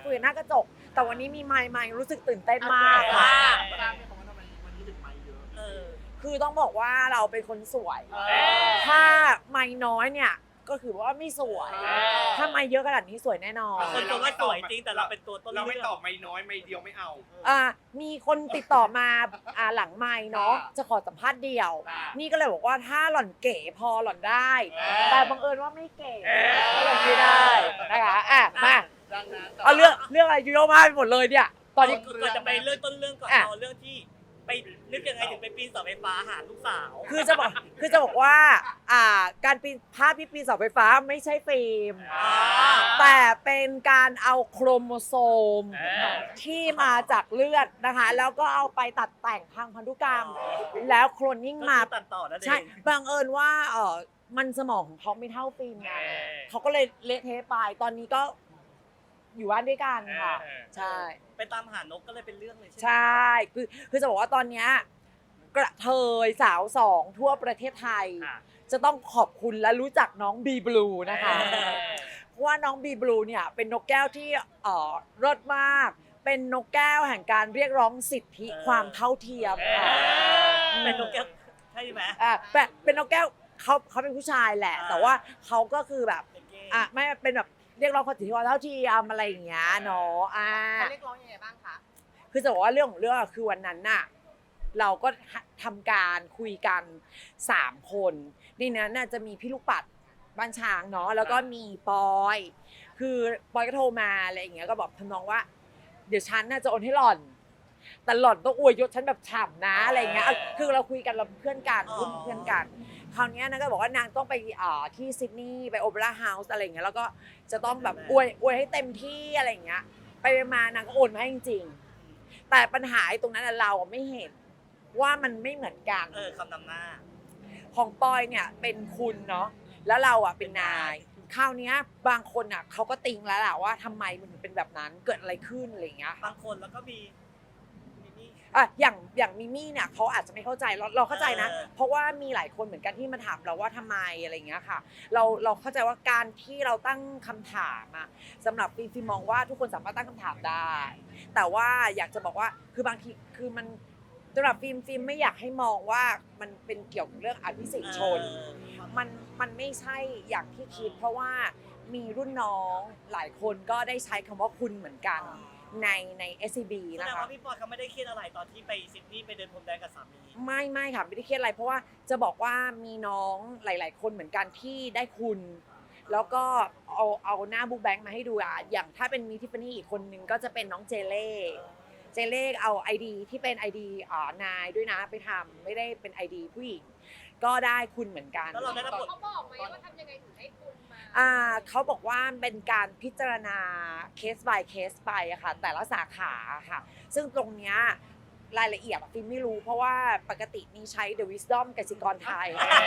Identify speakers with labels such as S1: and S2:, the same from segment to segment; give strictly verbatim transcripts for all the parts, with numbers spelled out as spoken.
S1: คุยกันหน้ากระจกแต่วันนี้มีไมค์ไมค์รู้สึกตื่นเต้นมากค่ะ
S2: ทราบไหมคะว่าทำไมวันนี้ถึงไมค์เยอะ
S3: เออ
S1: คือต้องบอกว่าเราเป็นคนสวย
S3: เออ
S1: ถ้าไมค์น้อยเนี่ยก็คือว่าไม่สวย
S3: เออ
S1: ถ้าไมค์เยอะขนาดนี้สวยแน่นอน
S3: คนชมว่าสวยจริงแต่เราเป็นตัวต้น
S2: เรา
S3: เรื่
S2: ไม่
S3: อง
S2: ตอบไม่น้อยไม่เดียวไม่เอา
S1: อ่ามีคนติดต่อมาอ่าหลังไมค์เนาะ
S2: อ่า
S1: จะขอสัมภาษณ์เดี่ยว
S2: อ่านี่
S1: นี่ก็เลยบอกว่าถ้าหล่อนเก๋พอหล่อนได้
S2: เออ
S1: แต่บังเอิญว่าไม่เก๋
S2: เออ
S1: ก็เลยไม่ได้นะคะอ่ะมา
S2: ดังนั้น
S1: เอาเรื่องเรื่องอะไรเยอะมากไปหมดเลยเนี่ยตอนนี้
S3: ก่อนจะไปเรื่องต้นเรื่องก่อน
S1: อ่ะ
S3: เอาเรื่องที่ไปนึกยังไงถึงไปปีนเสาไฟฟ้าหาลูกสาว
S1: คือจะบอกคือจะบอกว่าอ่าการปีนภาพที่ปีนเสาไฟฟ้าไม่ใช่ฟิล์ม
S3: อ่า
S1: แต่เป็นการเอาโครโมโซม
S3: เออ
S1: ที่มาจากเลือดนะคะ แล้วก็เอาไปตัดแต่งทางพันธุกรรม แล้วโคลนนิ่ง
S3: ก็
S1: มา
S3: คือตัดต่อนั่นเอง
S1: ใช่บังเอิญว่าเออมันสมองของเขาไม่เท่าฟิล์มไง
S3: เออ
S1: เขาก็เลยเละเทะไปตอนนี้ก็อยู่บ้านด้วยกันค่ะ
S3: เออ
S1: ใช่
S3: ไปตามหานกก็เลยเป็นเรื่องเลยใช่ไหม
S1: ใช่ คือคือจะบอกว่าตอนเนี้ยกระเทยสาวสองทั่วประเทศไทย
S3: อ่ะ
S1: จะต้องขอบคุณและรู้จักน้องบีบลูนะคะ
S3: เออ
S1: เพราะว่าน้องบีบลูเนี่ยเป็นนกแก้วที่เอ่อเลิศมาก เป็นนกแก้วแห่งการเรียกร้องสิทธิ
S3: เออ
S1: ความเท่าเทียม
S3: เอ
S1: ค่ะ
S3: อเป็นนกแก้วใช่ไหม
S1: อ่ะเป็นเป็นนกแก้วเขาเขาเป็นผู้ชายแหละ
S3: อ่า
S1: แต่ว่าเขาก็คือแบบ
S3: เป็นเกย์
S1: อ่ะไม่เป็นแบบเรียกร้องสิทธิความเท่าเทียมอะไรอย่างเงี้ยเนาะอ่า
S4: เขาเรียกร้องยังไงบ้างคะ
S1: คือจะบอกว่าเรื่องของเรื่องอะคือวันนั้นน่ะเราก็ทำการคุยกันสามคนในนั้นน่ะจะมีพี่ลูกปัดบ้านช้างเนาะแล้วก็มีปอย คือปอยก็โทรมาอะไรอย่างเงี้ยก็บอกทำนองว่า เดี๋ยวฉันน่าจะโอนให้หล่อน แต่หล่อนต้องอวยยศฉันแบบฉ่ำนะอะไรอย่างเงี้ยเอาคือเราคุยกันเราเป็นเพื่อนกันรุ่นเพื่อนกัน คราวเนี้ยนางก็บอกว่านางต้องไปอ่าที่ซิดนีย์ไปโอเปร่าเฮาส์อะไรอย่างเงี้ยแล้วก็จะต้องแบบอวยอวยให้เต็มที่อะไรอย่างเงี้ยไปมานางก็โอนมาให้จริงๆแต่ปัญหาไอ้ตรงนั้นนะเราอะไม่เห็นว่ามันไม่เหมือนกัน
S3: เออคำนำหน้า
S1: ของปอยเนี่ยเป็นคุณเนาะแล้วเราอ่ะเป็นนายคราวเนี้ยบางคนอ่ะเขาก็ติงแล้วแหละว่าทำไมมันถึงเป็นแบบนั้นเกิดอะไรขึ้นอะไรอย่างเงี้ยค่ะ
S3: บางคนแล้วก็มีมีนี่
S1: อ่ะอย่างอย่างมิมี่เนี่ยเขาอาจจะไม่เข้าใจเราเราเข้าใจนะ
S3: เออ
S1: เพราะว่ามีหลายคนเหมือนกันที่มาถามเราว่าทำไมอะไรอย่างเงี้ยค่ะ เราเราเข้าใจว่าการที่เราตั้งคำถามอะสำหรับฟิล์มฟิล์มมองว่าทุกคนสามารถตั้งคำถามได้ แต่ว่าอยากจะบอกว่าคือบางทีคือมันสำหรับฟิล์มฟิล์มไม่อยากให้มองว่ามันเป็นเกี่ยวกับเรื่องอภิสิทธิชน
S3: เออ
S1: มันมันไม่ใช่อย่างที่คิด เพราะว่ามีรุ่นน้องหลายคนก็ได้ใช้คำว่าคุณเหมือนกันในใน เอส ซี บี
S3: แส
S1: นะ
S3: ดง
S1: คะ
S3: ว่าพี่ปอยเขาไม่ได้เครียดอะไรตอนที่ไปซิดนีย์ไปเดินพรมแดงกับสามี
S1: ไม่ไม่ค่ะไม่ได้เครียดอะไร เพราะว่าจะบอกว่ามีน้องหลาย ๆ คนเหมือนกันที่ได้คุณ แล้วก็เอาเอาหน้าบุ๊กแบงค์มาให้ดูอ่ะอย่างถ้าเป็นมีทิฟฟานี่อีกคนนึงก็จะเป็นน้องเจเล่เจเล่เอา ไอ ดี ที่เป็น ไอ ดี อ่านายด้วยนะไปทำไม่ได้เป็น ไอ ดี ผู้หญิงก็ได้คุณเหมือนกัน
S3: แล้วเราได้รับบท
S4: เขาบอกไหมว่าทำยังไงถึงให้คุณมา
S1: อ่าเขาบอกว่าเป็นการพิจารณาเคส by เคสไปอะค่ะแต่ละสาขาค่ะ ซึ่งตรงเนี้ยรายละเอียดอะฟิล์มไม่รู้เพราะว่าปกตินี่ใช้ The Wisdom กสิกรไทย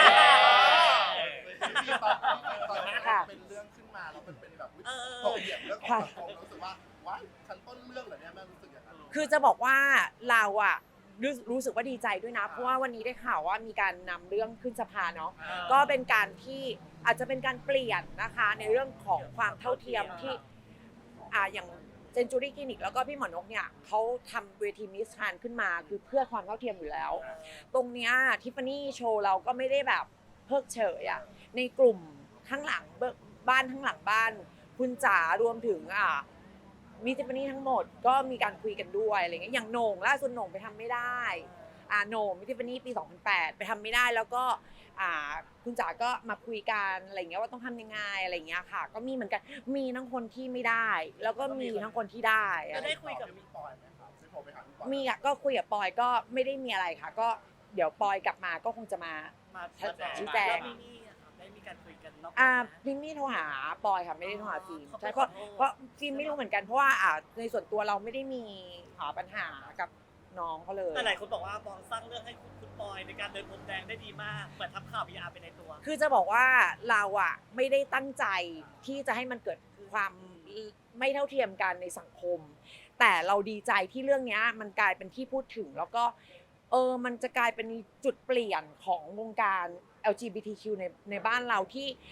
S2: ที่ตอนตอนนี้
S1: ค่ะ
S2: เป็นเรื่องขึ้นมาแล้วมันเป็นแบบ
S3: เออ
S2: ถกเถียงเรื่องของสังคมรู้สึกว่าว้ายฉันต้นเรื่องเหรอเนี่ยแม่รู้สึกอย่างนั้น
S1: คือจะบอกว่าเราอะรู้รู้สึกว่าดีใจด้วยนะ เพราะว่าวันนี้ได้ข่าวว่ามีการนำเรื่องขึ้นสภาเนาะก็เป็นการที่อาจจะเป็นการเปลี่ยนนะคะในเรื่องของความเท่าเทียมที่อ่าอย่างเซนจูรี่คลินิกแล้วก็พี่หมอนกเนี่ยเขาทำเวทีมิสทรานขึ้นมาคือเพื่อความเท่าเทียมอยู่แล้ว ตรงเนี้ยทิฟฟานี่โชว์เราก็ไม่ได้แบบเพิกเฉยอะในกลุ่มข้างหลังเบิกบ้านข้างหลังบ้าน คุณจ๋ารวมถึงอ่ามีทิฟฟานี่ทั้งหมดก็มีการคุยกันด้วยอะไรเงี้ยอย่างโหน่งล่าสุดโหน่งไปทำไม่ได้อ่าโหน่งมิทิฟฟานี่ปีสองพันแปดไปทำไม่ได้แล้วก็อ่าคุณจ๋าก็มาคุยกันอะไรเงี้ยว่าต้องทำยังไงอะไรเงี้ยค่ะ ก็มีเหมือนกันมีทั้งคนที่ไม่ได้ แล้วก็มีทั้งคนที่ได้อะ
S3: จะ
S1: ไร
S3: ได้คุยกับ
S2: พี่ปอยไหมครับได้โทรไปหาพี่ปอย
S1: มีอะก็คุยกับปอยก็ไม่ได้มีอะไรค่ะ ก็เดี๋ยวปอยกลับมาก็คงจะมา
S3: มา
S1: ชี้แจง
S3: ล้วมินี่อะค่ะได้มีการคุยกันนอก
S1: อ่า
S3: นะ
S1: พิมมี่โทรหาปอยค่ะไม่ได้โทรหาฟิล์ม
S3: เขา
S1: ใช่
S3: ไป
S1: เพราะ
S3: ขอโทษ
S1: เพราะฟิล์มไม่รู้เหมือนกันเพราะว่าอ่าในส่วนตัวเราไม่ได้มีหาปัญหากับน้องเขาเลย
S3: แต่หลายคนบอกว่าบองสร้างเรื่องให้คุณคุณปอยในการเดินพรมแดงได้ดีมากเหมือนทำข่าว พี อาร์ ไปในตัว
S1: คือจะบอกว่าเราอะไม่ได้ตั้งใจที่จะให้มันเกิดความไม่เท่าเทียมกันในสังคม แต่เราดีใจที่เรื่องนี้มันกลายเป็นที่พูดถึงแล้วก็เออมันจะกลายเป็นจุดเปลี่ยนของวงการ แอล จี บี ที คิว ในในบ้านเราที่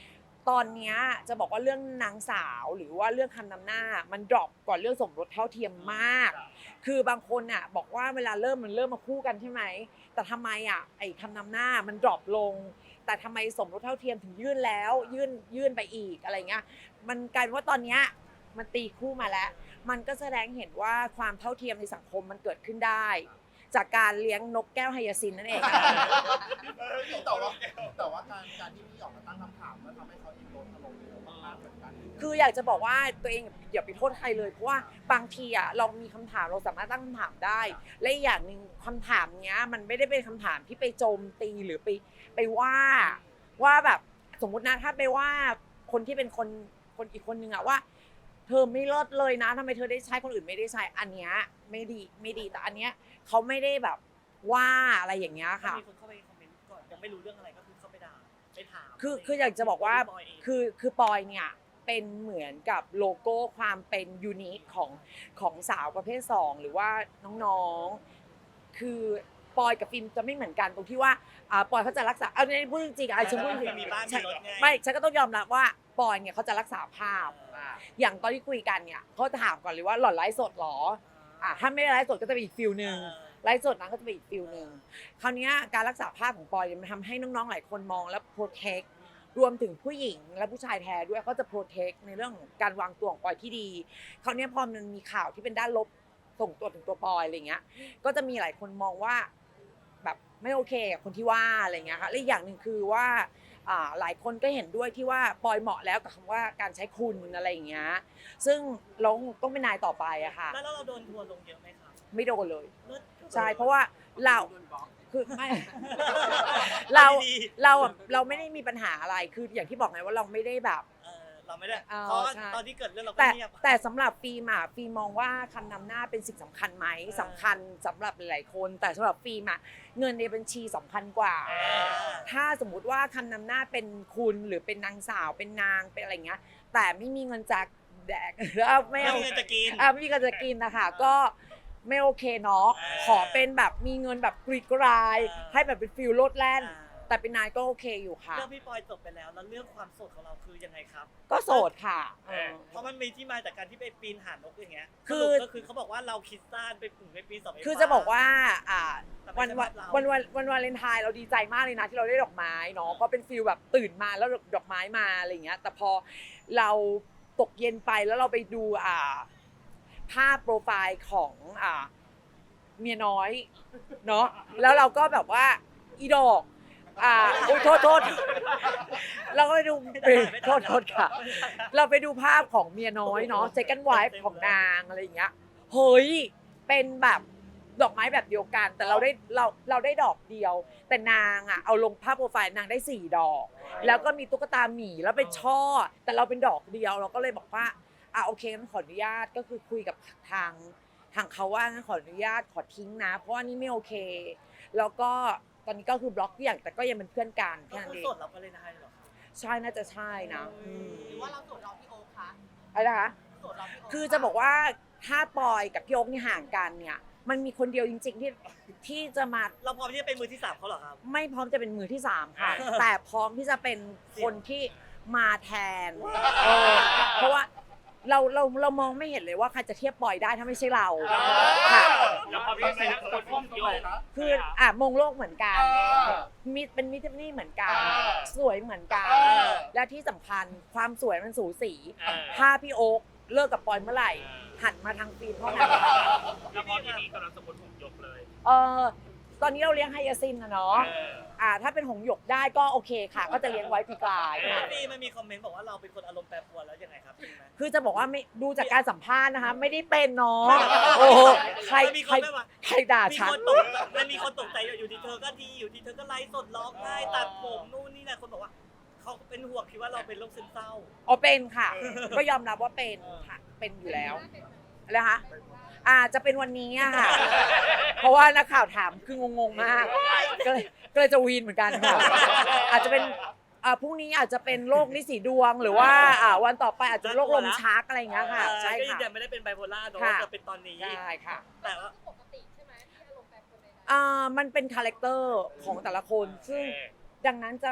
S1: ตอนเนี้ยจะบอกว่าเรื่องนางสาวหรือว่าเรื่องคำนำหน้ามันดรอปก่อนเรื่องสมรสเท่าเทียมมาก คือบางคนอ่ะบอกว่าเวลาเริ่มมันเริ่มมาคู่กันใช่ไหมแต่ทำไมอ่ะไอ้คำนำหน้ามันดรอปลง แต่ทำไมสมรสเท่าเทียมถึงยื่นแล้วยื่นยื่นไปอีกอะไรเงี้ยมันกลายเป็นว่าตอนเนี้ยมันตีคู่มาแล้ว มันก็แสดงเห็นว่าความเท่าเทียมในสังคมมันเกิดขึ้นได้ จากการเลี้ยงนกแก้วไฮยาซินนั่นเอง
S2: แต่ว่าแต่ว่าการการที่พี่ออกมาตั้งคำถามมันทำให้เขาอินโดนถล่มเร็วมากเหมือนกัน
S1: คืออยากจะบอกว่าตัวเองอย่าไปโทษใครเลยเพราะว่าบางทีอ่ะเรามีคำถามเราสามารถตั้งคำถามได้ และอีกอย่างหนึ่งคำถามเนี้ยมันไม่ได้เป็นคำถามที่ไปโจมตีหรือไปไปว่าว่าแบบสมมุตินะถ้าไปว่าคนที่เป็นคนคนอีกคนนึงอะว่า เธอไม่เลิศเลยนะทำไมเธอได้ใช้คนอื่นไม่ได้ใช้อันเนี้ยไม่ดีไม่ดีแต่อันเนี้ยเขาไม่ได้แบบว่าอะไรอย่างเงี้ยค่ะ
S3: มีคนเข้าไปคอมเมนต์ก่อนยังไม่รู้เรื่องอะไรก็คือเข้าไปด่าไปถาม
S1: คือคืออยากจะบอกว่า
S3: พี่บยเง
S1: คือคือปอยเนี่ยเป็นเหมือนกับโลโก้ความเป็นยูนิคของของสาวประเภทสองหรือว่าน้องๆคือปอยกับฟิล์มจะไม่เหมือนกันตรงที่ว่าอ่าปอยเขาจะรักษาเอาในพูดจริงๆอ่ะฉันพูดจริง
S3: มีบ้านมี
S1: ฉัน
S3: รถไง
S1: ไม่ฉันก็ต้องยอมรับว่าปอยเนี่ยเขาจะรักษาภาพ
S2: อ่า
S1: อย่างตอนที่คุยกันเนี่ยเขาจะถามก่อนเลยว่าหล่อนไลฟ์สดเหรออ่ะถ้าไม่ได้ไลฟ์สดก็จะเป็นอีกฟิลหนึ่ง ไลฟ์สดนั้นก็จะเป็นอีกฟิลหนึ่งคราวนี้การรักษาภาพของปอยเนี่ยมันทำให้น้องๆหลายคนมองและโปรเทครวมถึงผู้หญิงและผู้ชายแท้ด้วยเขาจะโปรเทคในเรื่องของการวางตัวของปอยที่ดีคราวนี้พอมันมีข่าวที่เป็นด้านลบส่งตัวถึงตัวปอยอะไรเงี้ยก็จะมีหลายคนมองว่าแบบไม่โอเคกับคนที่ว่าอะไรเงี้ยค่ะและอีกอย่างหนึ่งคือว่าอ่าหลายคนก็เห็นด้วยที่ว่าปอยเหมาะแล้วกับคำว่าการใช้คุณอะไรอย่างเงี้ยซึ่งเราต้องเป็นนายต่อไปอะค่ะ
S3: แล้วเราโดนทัวร์ลงเยอะไหมครับ
S1: ไม่โดนเลย
S3: เลิศ
S1: ใช่เพราะว่าเราคือไม่ เราเราอะเราไม่ได้มีปัญหาอะไรคืออย่างที่บอกไงว่าเราไม่ได้แบบ
S3: เออเราไม่ได้
S1: เออ
S3: เพราะว่า
S1: ใช่
S3: ตอนที่เกิดเรื่องเราก็
S1: แต่
S3: เงียบ
S1: แต่สำหรับฟิล์มอะฟิล์มมองว่าคำนำหน้าเป็นสิ่งสำคัญไหม
S3: เออ
S1: สำคัญสำหรับหลายๆคน แต่สำหรับฟิล์มอะเงินในบัญชีสำคัญกว่า
S3: เออ
S1: ถ้าสมมุติว่าคำนำหน้าเป็นคุณหรือเป็นนางสาวเป็นนางเป็นอะไรเงี้ยแต่ไม่มีเงินจากแดก แล้วไม่
S3: ไม่
S1: เอา
S3: มีเงินจะกิน
S1: อ่ะไม่มีเงินจะกินนะคะก็ไม่โอเคเนาะ
S3: เออ
S1: ขอเป็นแบบมีเงินแบบกรีดกราย
S3: เออ
S1: ให้แบบเป็นฟิลโลดแล่น
S3: อ่า
S1: แต่เป็นนายก็โอเคอยู่ค่ะ
S3: เรื่องพี่ปอยจบไปแล้วแล้วเรื่องความโสดของเราคือยังไงครับ
S1: ก็โสดค่ะเออ
S3: เพราะมันมีที่มาจากการที่ไปปีนหานกอย่างเงี้ย
S1: คือ
S3: สรุปก็คือเขาบอกว่าเราคิดสั้นไปปลูกในปีสอง
S1: คือจะบอกว่าอ่า
S3: แต่ไม่
S1: วัน
S3: ใช่
S1: วัน
S3: เรา
S1: วันวันวันวาเลนไทน์เราดีใจมากเลยนะที่เราได้ดอกไม้เนาะก็เป็นฟิลแบบตื่นมาแล้วดอกไม้มาอะไรอย่างเงี้ยแต่พอเราตกเย็นไปแล้วเราไปดูอ่าภาพโปรไฟล์ของอ่าเมียน้อยเนาะแล้วเราก็แบบว่าอีดอกอ่าโอ้ยโทษโทษเราก็ไปดูโทษโทษค่ะ เราไปดูภาพของเมียน้อยเนาะ second wife ของนางอะไรอย่างเงี้ยเฮ้ยเป็นแบบดอกไม้แบบเดียวกัน แต่เราได้เราเราได้ดอกเดียว แต่นางอ่ะเอาลงภาพโปรไฟล์นางได้สี่ดอก แล้วก็มีตุ๊กตาหมีแล้วเป็นช่อ แต่เราเป็นดอกเดียวเราก็เลยบอกว่าอ่ะโอเคงั้นขออนุญาตก็คือคุยกับทางทางเขาว่างั้นขออนุญาตขอทิ้งนะ เพราะว่านี่ไม่โอเค แล้วก็ตอนนี้ก็คือบล็อกทุกอย่างแต่ก็ยังเป็นเพื่อนกัน
S3: ก็
S1: แค่นั้น
S3: คือ
S1: เอง
S3: โสดเราก็เลยได้เหรอ
S1: ใช่น่าจะใช่นะอืม
S4: หรือว่าเราโสดเราพี่โอ๊คคะ
S1: อะไรนะคะ
S4: โสดเราพี่โอ๊ค
S1: คือจะบอกว่าถ้าปอยกับพี่โอ๊คนี่ห่างกันเนี่ยมันมีคนเดียวจริง ๆ ที่ที่จะมา
S3: เราพร้อมที่จะเป็นมือที่สามเขาเหรอครับ
S1: ไม่พร้อมจะเป็นมือที่สามค่ะ แต่พร้อมที่จะเป็นคนที่มาแทนเออเพราะว่าเราเราเรามองไม่เห็นเลยว่าใครจะเทียบปอยได้ถ้าไม่ใช่เราค่ะ
S5: แล้วพอพี่เป็นคนพุ่งโยก
S1: คืออ่ะมงโลกเหมือนกัน
S2: เออ
S1: มิตรเป็นมิตรนี่เหมือนกัน
S2: เออ
S1: สวยเหมือนกัน
S2: เออ
S1: และที่สำคัญความสวยมันสูสี
S5: เออ
S1: ถ้าพี่โอ๊คเลิกกับปอยเมื่อไหร่ หันมาทางฟิล์มเท่านั้น
S5: แล้วพอที่นี่กำลังสมบูรณ์พุ่งยกเลย
S1: เออตอนนี้เราเลี้ยงไฮยาซินนะเนาะ
S5: เออ
S1: อ่าถ้าเป็นหงส์หยกได้ก็โอเคค่ะ ก็จะเลี้ยงไว้ปีกลายค่ะ
S3: พี่มันมีคอมเมนต์บอกว่าเราเป็นคนอารมณ์แปรปรวนแล้วยังไงครับจริงไหม
S1: คือจะบอกว่าไม่ดูจากการสัมภาษณ์นะคะ ไม่ได้เป็นเนาะโอ้โหใคร
S3: มีค
S1: ใคร
S3: นแบบว่า
S1: ใครด่า
S3: มี
S1: ฉัน
S3: คนตกใจมันมีคนตกใจอยู่ดีเธอก็ดีอยู่ดีเธอก็ไลฟ์สดร้องไห้ตัดผมนู่นนี่แหละคนบอกว่าเขาเป็นห่วงคิดว่าเราเป็นโรคซึมเศร้า
S1: อ๋อเป็นค่ะ ก็ยอมรับว่าเป็นค่ะเป็นอยู่แล้วอะไรคะอ่าจะเป็นวันนี้อะค่ะ เพราะว่านักข่าวถามคืองงๆมากก็เลยก็เลยจะวีนเหมือนกันค่ะ อาจจะเป็นอ่าพรุ่งนี้อาจจะเป็นโรคลิสีดวงหรือว่าอ่าวันต่อไปอาจจะเป็นโรคลมชักอะไรอย่างเงี้ยค่ะ ใช่
S3: ก็ยื
S1: ค่ะ
S3: นยันไม่ได้เป็นไบโพล่าเนอะ
S1: ค่ะ
S3: จะเป็นตอนนี้
S1: ใช่ค่ะ
S3: แต่ว่า
S4: ปกติใช่ไหมที่อารมณ์แปรปรวนใดๆ
S1: อ่ามันเป็นคาแรคเตอร์ของแต่ละคนซึ่งดังนั้นจะ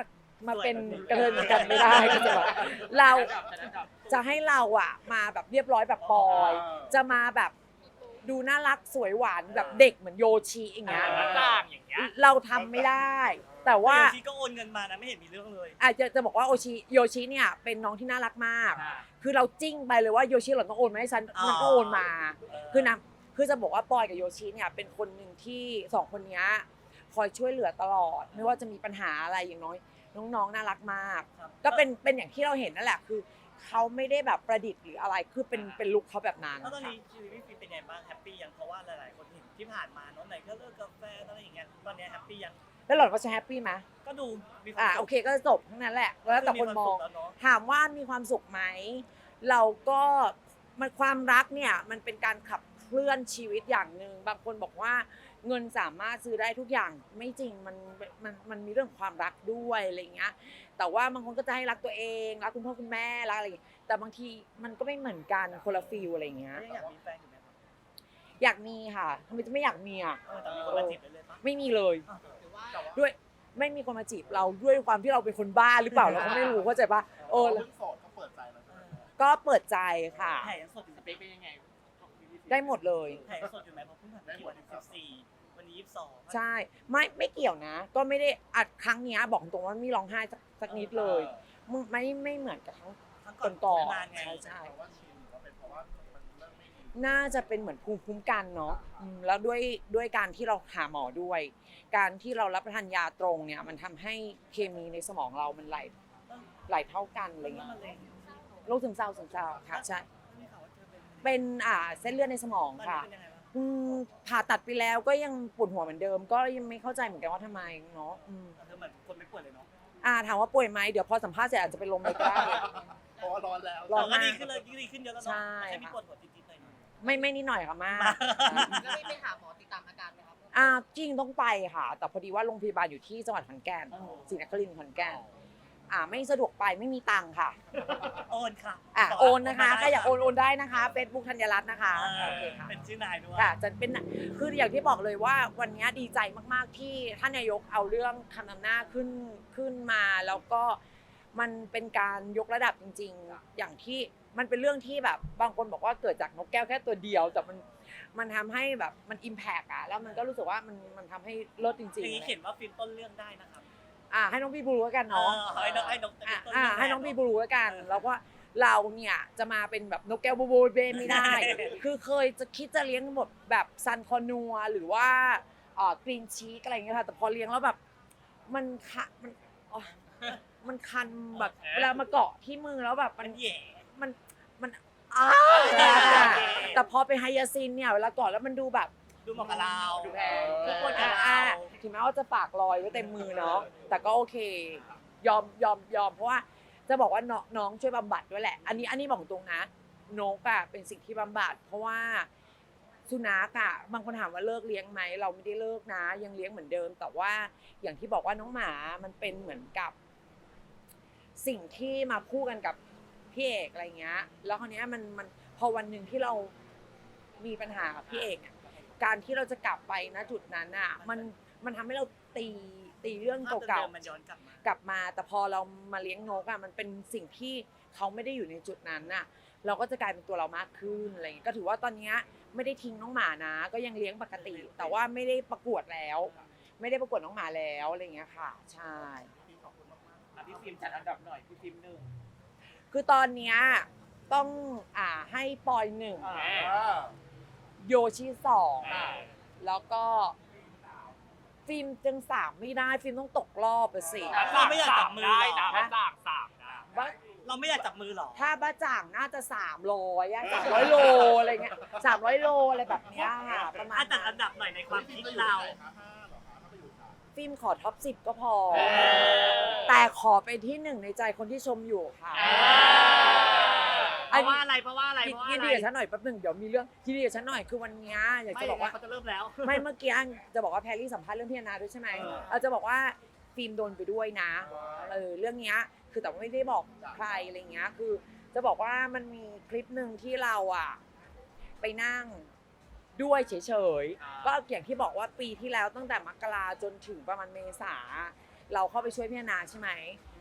S1: มาเป็นกระเทยเหมือนกันไม่ได้ก็จะแบบเราจะให้เราอะมาแบบเรียบร้อยแบบปอย จะมาแบบดูน่ารักสวยหวานแบบเด็กเหมือนโยชิอย่างเงี้ย
S5: ต่างอย่างเงี้ย
S1: เราทำไม่ได้ แต่ว่า
S3: ว่าชีก็โอนเงินมานะไม่เห็นมีเรื่องเลย
S1: อาจจะจะบอกว่าโอชิโยชิเนี่ยเป็นน้องที่น่ารักมาก คือเราจิ้งไปเลยว่าโยชิหล่อนต้องโอนมาให้ฉันมันก็โอนมา คือนะคือจะบอกว่าปอยกับโยชิเนี่ยเป็นคนหนึ่งที่สองคนเนี้ยคอยช่วยเหลือตลอด ไม่ว่าจะมีปัญหาอะไรอย่างน้อย น้องๆน่ารักมาก ก็เป็นเป็นอย่างที่เราเห็นนั่นแหละคือเขาไม่ได้แบบประดิษฐ์หรืออะไรคือเป็นเป็นลุคเขาแบบนั้น
S3: แล้วตอนนี้ชีวิตพี่ฟิล์มเป็นไงบ้างแฮปปี้ยังเพราะว่าหลายๆคนเห็นที่ผ่านมาเนาะไหนก็เลิกกาแฟอะไรอย่างเงี้ยตอนนี้แฮปปี้ยัง
S1: แล้วหล่อนก็จะแฮปปี้ไหม
S3: ก็ดูมีความ
S1: อ่า
S3: สุข
S1: โอเคก็จบทั้งนั้นแหละ แล้วแต่คนมอง
S3: แล้วเนาะ
S1: ถามว่ามีความสุขไหม เราก็มันความรักเนี่ยมันเป็นการขับเคลื่อนชีวิตอย่างหนึ่งบางคนบอกว่าเงินสามารถซื้อได้ทุกอย่างไม่จริงมันมันมันมีเรื่องความรักด้วยอะไรเงี้ยแต่ว่าบางคนก็จะให้รักตัวเองรักคุณพ่อคุณแม่รักอะไรอย่างเงี้ยแต่บางทีมันก็ไม่เหมือนกันคนละฟีลอะไรเงี้ย
S3: ยังอยากมีแฟนอยู่ไหมครับ
S1: อยากมีค่ะทำไมจะไม่อยากมีอ่ะ
S3: เออแต่มีคนมาจีบเลยเลยปะ
S1: ไม่มีเลย
S4: หรือว่า
S1: ด้วยไม่มีคนมาจีบเราด้วยความที่เราเป็นคนบ้าหรือเปล่าเราก็ไม่รู้เข้าใจปะเออ
S2: เรื่องโสดก็เปิดใจแล้วใช่ไหม
S1: ก็เปิดใจค่ะ
S3: แผลยังสดอยู่
S5: สเปคเป็นยังไง
S1: ได้หมดเลย
S3: แผลยังสดอยู่ไหมเพราะเพิ่งผ่านไปกี่วันสิบสี่วันนี้ยี่สิบสอง
S1: ใช่ไม่ไม่เกี่ยวนะ ก็ไม่ได้อัดครั้งเนี้ยบอกตรงว่าไม่ร้องไห้สักสักนิดเลยมึงไม่ไม่เหมือนกับครั้ง
S3: ทั้ง
S1: ก่อนก่อน
S3: นานไง
S1: ใช่ใช่
S2: เพราะว่าชินหรือว่าเป็นเพราะว่ามันเริ่มไม่ดี
S1: น่าจะเป็นเหมือนภูมิคุ้มกันเนาะอืมแล้วด้วยด้วยการที่เราหาหมอด้วย การที่เรารับประทานยาตรงเนี่ยมันทำให้เคมีในสมองเรามันไหลไหลเท่ากันอะไรเงี้ย
S3: มะเร็ง
S1: โรคซึมเศร้าซึมเศร้าค่ะใช่
S3: ไม่ข่าวว่าเธอเป็น
S1: เป็นอ่าเส้นเลือดในสมอง
S3: ตอนนี้
S1: ค่ะ
S3: เป็นยังไงบ้าง
S1: อืมผ่าตัดไปแล้วก็ยังปวดหัวเหมือนเดิม ก็ยังไม่เข้าใจเหมือนกันว่าทำไมเนาะอืม
S3: เธอเหมือนคนไม่ป่วยเลยเนาะ
S1: อ่าถามว่าป่วยไหมเดี๋ยวพอสัมภาษณ์เสร็จอาจจะเป็นลมเลยก็ได้
S2: เพราะว่าร้อนแล้ว
S1: ร้อน
S3: แต่ก็ดีขึ้นเลยดีขึ้นเยอะแล้วเนาะ
S1: ใช่
S3: แค่มีปวดหัวติดๆหน่อย
S1: ไม่ไม่นิดหน่อยค่ะมาก
S4: แล้วไม่ไปหาหมอติดตามอาการไหมครับ
S1: อ่าจริงต้องไปค่ะ แต่พอดีว่าโรงพยาบาลอยู่ที่จังหวัดขอนแก่นศรีนครินทร์ขอนแก่นอ่าไม่สะดวกไปไม่มีตังค์ค่ะ
S3: โอนค่ะ
S1: อ่าโอนนะคะใครอยากโอนโอนได้นะคะเฟซบุ๊กธัญรัตน์นะคะ
S3: อ่า
S1: โอเคค่ะ
S3: เป็นชื่อนายด้วย
S1: ค่ะจะเป็นคืออย่างที่บอกเลยว่าวันนี้ดีใจมากๆที่ท่านนายกเอาเรื่องคำนำหน้าขึ้นขึ้นมา แล้วก็มันเป็นการยกระดับจริง ๆ อย่างที่มันเป็นเรื่องที่แบบบางคนบอกว่าเกิดจากนกแก้วแค่ตัวเดียวแต่มันมันทำให้แบบมันอิมแพกอะแล้วมันก็รู้สึกว่ามันมันทำให้เลิศจ
S3: อ
S1: ริง
S3: ย่างนี้
S1: ๆ
S3: เขียนว่าฟิล์มต้นเรื่องได้นะครับ
S1: อ่าให้น้องพี่บลูแล้วกันเนาะ
S3: เออให้น้องให้น้อง
S1: อ่ะ
S3: ต้น
S1: อ่า
S3: เรื่
S1: ให้น้อง
S3: แท
S1: พี่บลูแล้วกัน แล้วก็เราเนี่ยจะมาเป็นแบบนกแก้วบูบูเบไม่ได้ คือเคยจะคิดจะเลี้ยงหมดแบบซันคอนัวหรือว่าเอ่อกรีนชีสอะไรอย่างเงี้ยค่ะแต่พอเลี้ยงแล้วแบบมันคะมันอ๋อมันคันแบบเวลามาเกาะที่มือแล้วแบบมั
S3: มัน นแย่
S1: มันมันอ้าแต่พอเป็นไฮยาซินเนี่ยเวลาเกาะแล้วมันดูแบบ
S3: ดูเหมาะกับเรา
S5: ดูแพง
S3: ทุกคนกับ
S1: อ่า
S3: เรา
S1: ถึงแม้ว่าจะฝากรอยไว้เต็มมือเนาะแต่ก็โอเค ยอมยอมยอมเพราะว่าจะบอกว่าน้องน้องช่วยบำบัดด้วยแหละ อันนี้อันนี้บอกตรงนะนกอะเป็นสิ่งที่บำบัด เพราะว่าสุนัขอะบางคนถามว่าเลิกเลี้ยงไหมเราไม่ได้เลิกนะ ยังเลี้ยงเหมือนเดิม แต่ว่าอย่างที่บอกว่าน้องหมามันเป็นเหมือนกับ สิ่งที่มาคู่กันกับพี่เอกอะไรเงี้ย แล้วคราวเนี้ยมันมันพอวันหนึ่งที่เรามีปัญหากับพี่เอกอะการที่เราจะกลับไปนะจุดนั้นอ่ะมันมันทำให้เราตีตีเรื่อง
S3: ภาพ
S1: เก่า
S3: ดิมๆมันย้อนกลับมา
S1: ๆกลับมา แต่พอเรามาเลี้ยงนกอ่ะมันเป็นสิ่งที่เขาไม่ได้อยู่ในจุดนั้นน่ะ เราก็จะกลายเป็นตัวเรามากขึ้นอะไรอย่างเงี้ยก็ถือว่าตอนเนี้ยไม่ได้ทิ้งน้องหมานะ ก็ยังเลี้ยงปกติ แต่ว่าไม่ได้ประกวดแล้ว ไม่ได้ประกวดน้องหมาแล้วอะไรอย่างเงี้ยค่ะ ใช่
S5: อ่ะพี่ฟิล์มจัดอันดับหน่อยพี่ฟิล์มหนึ่ง
S1: คือตอนเนี้ยต้องอ่าให้ปอยหนึ่ง
S5: อ่า
S2: อ่า
S1: โยชิสอง
S5: อ่า
S1: แล้วก็ฟิล์มจึงสามไม่ได้ฟิล์มต้องตกรอบไปสิ
S3: เราไม่อยากจับมือ
S5: ได้
S3: หร
S5: นะ
S3: อ
S5: สามสามนะ
S1: บ้า
S3: เราไม่อยากจับมือหรอ
S1: ถ้าบ้าจ่างน่าจะสามร้อยอะสามร้อยโลอะไรเงี้ยสามร้อยโลอะไรแบบเนี้ยค่ะประมาณ
S3: อ่ะจัด
S1: นั้
S3: อั
S1: น
S3: นดับหน่อยในความคิดเรา
S1: ฟิล์มขอท็อปสิบก็พอ
S5: เออ
S1: แต่ขอเป็นที่หนึ่งในใจคนที่ชมอยู่ค่ะ
S5: เพราะว่าอะไรเพราะว่าอะไรเพราะว่า
S1: ยิน
S5: อะไร
S1: ดีกับฉันหน่อยแป๊บหนึ่งเดี๋ยวมีเรื่องยินดีกับฉันหน่อยคือวันเนี้ยอยาก
S5: ไม่
S1: จะบอกว่า
S5: เขาจะเริ่มแล้ว
S1: ไม่เมื่อกี้จะบอกว่าแพรรี่สัมภาษณ์เรื่องพี่แอนนาด้วยใช่ไหม
S5: เออ
S1: เราจะบอกว่าฟิล์มโดนไปด้วยนะเออเรื่องเนี้ยคือแต่ว่าไม่ได้บอกใครอะไรเงี้ยคือ จะบอกว่ามันมีคลิปหนึ่งที่เราอ่ะไปนั่งด้วยเฉยๆก็อย่างที่บอกว่าปีที่แล้วตั้งแต่มกราจนถึงประมาณเมษาเราเข้าไปช่วยพี่แอนนาใช่ไหม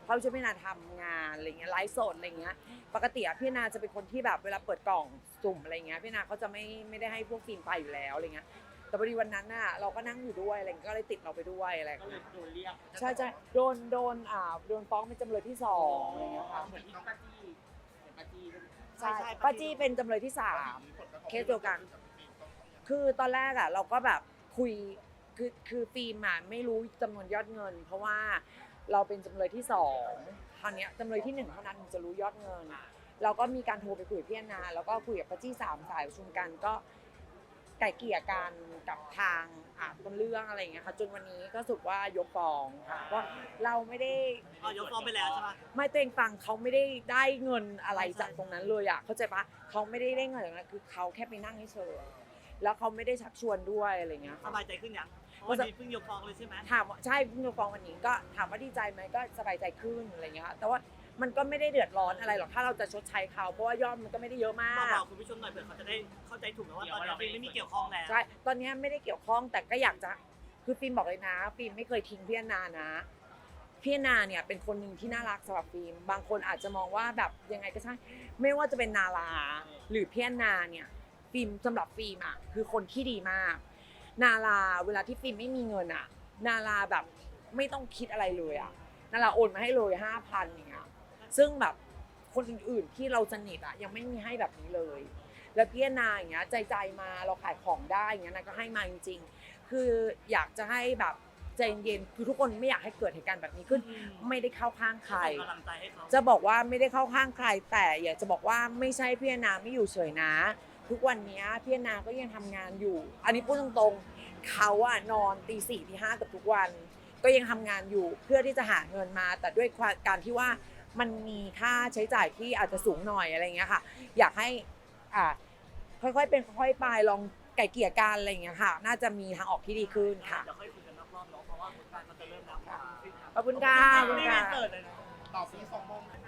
S1: เขาช่วยพี่นาทำงานอะไรเงี้ยไลฟ์สดอะไรเงี้ยปกติอะพี่นาจะเป็นคนที่แบบเวลาเปิดกล่องสุ่มอะไรเงี้ยพี่นาเขาจะไม่ไม่ได้ให้พวกฟิล์มไปอยู่แล้วอะไรเงี้ยแต่พอดีวันนั้นน่ะเราก็นั่งอยู่ด้วยอะไรเงี้ยก็เลยติดเราไปด้วยอะไร
S5: ก็เลย
S1: เงี้ย
S5: โดนเรียก
S1: ใช่ใช่โดนโดนอ่าโดนฟ้องเป็นจำเลยที่สองอะไรเงี้ยค่ะ
S5: เหมือนที่ป้าจี้เหมือนป้าจี้ด้วย
S1: ใช่ป้าจี้เป็นจำเลยที่สามเคสเดียวกัน คือตอนแรกอ่ะเราก็แบบคุยคือคือฟิล์มอ่ะไม่รู้จำนวนยอดเงิน เพราะว่าเราเป็นจำเลยที่สองคราวเนี้ยจำเลยที่หนึ่งเท่านั้นถึงจะรู้ยอดเงิน เราก็มีการโทรไปคุยกับพี่แอนนาแล้วก็คุยกับป้าจี้สามสายประชุมกันก็ไก่เกลี่ยกันกับทางอ่าต้นเรื่องอะไรอย่างเงี้ยค่ะจนวันนี้ก็สุดว่ายกฟ้องค่ะว่าเราไม่ได้
S3: อ๋อยกฟ้องไปแล้วใช่ไหม
S1: ไม่ตัวเองฟังเขาไม่ได้ได้เงินอะไรจากตรงนั้นเลยอ่ะเข้าใจปะเขาไม่ได้ได้เงินจากนั้นคือเขาแค่ไปนั่งเฉยๆแล้วเขาไม่ได้ชักชวนด้วยอะไรเงี้ย
S3: สบายใจขึ้นยังเพราะวันนี้เพิ่งยกฟ้องเลยใช่ไหม
S1: ถามว่าใช่เพิ่งจะฟ้องวันนี้ก็ถามว่าดีใจไหมก็สบายใจขึ้นอะไรเงี้ยค่ะแต่ว่ามันก็ไม่ได้เดือดร้อนอะไรหรอกถ้าเราจะชดใช้เขาเพราะว่ายอดมันก็ไม่ได้เยอะมา
S3: บอก บอกคุณผู้ชมหน่อยเผื่อเขาจะได้เข้าใจถูกนะว่าตอนนี้ฟิล์มไม่มีเกี่ยวข้องแล้ว
S1: ใช่ตอนนี้ไม่ได้เกี่ยวข้องแต่ก็อยากจะคือฟิล์มบอกเลยนะฟิล์มไม่เคยทิ้งพี่แอนนานะพี่แอนนาเนี่ยเป็นคนหนึ่งที่น่ารักสำหรับฟิล์มบางคนอาจจะมองว่าแบบยังไงก็ใช่ไม่ว่าจะเป็นนาราหรือพี่แอนนาเนี่ยฟิล์มสำหรับฟิล์มอ่ะคือคนที่ดีมาก นาราเวลาที่ฟิล์มไม่มีเงินอ่ะ นาราแบบไม่ต้องคิดอะไรเลยอ่ะ นาราโอนมาให้เลยห้าพันอย่างเงี้ย ซึ่งแบบคนอื่นๆที่เราสนิทอ่ะยังไม่มีให้แบบนี้เลย แล้วพี่แอนนาอย่างเงี้ยใจใจมาเราขายของได้อย่างเงี้ยนาก็ให้มาจริงๆ คืออยากจะให้แบบใจเย็นคือทุกคนไม่อยากให้เกิดเหตุการณ์แบบนี้ขึ้น
S3: อืม
S1: ไม่ได้เข้าข้างใคร
S3: ส่งกำลังใจให้เขา
S1: จะบอกว่าไม่ได้เข้าข้างใคร แต่อยากจะบอกว่าไม่ใช่พี่แอนนาไม่อยู่เฉยนะ ทุกวันนี้พี่แอนนาก็ยังทำงานอยู่ อันนี้พูดตรงๆเขาอะนอนตีสี่ตีห้ากับทุกวัน ก็ยังทำงานอยู่เพื่อที่จะหาเงินมา แต่ด้วยการที่ว่ามันมีค่าใช้จ่ายที่อาจจะสูงหน่อยอะไรเงี้ยค่ะ อยากให้อ่าค่อยๆเป็นค่อยๆไปลองไก่เกลี่ยกันอะไรเงี้ยค่ะ น่าจะมีทางออกที่ดีขึ้นค่ะ
S3: เดี๋ยวค่อยคุยกันนอกรอบเนาะเพราะว่าผลการมันจะเริ่มแล้ว
S1: ขอบคุณค่ะขอบคุณ
S3: ไม่
S1: ค่ะ
S3: เปิดเลยนะ
S2: ตอบนี้สองโมง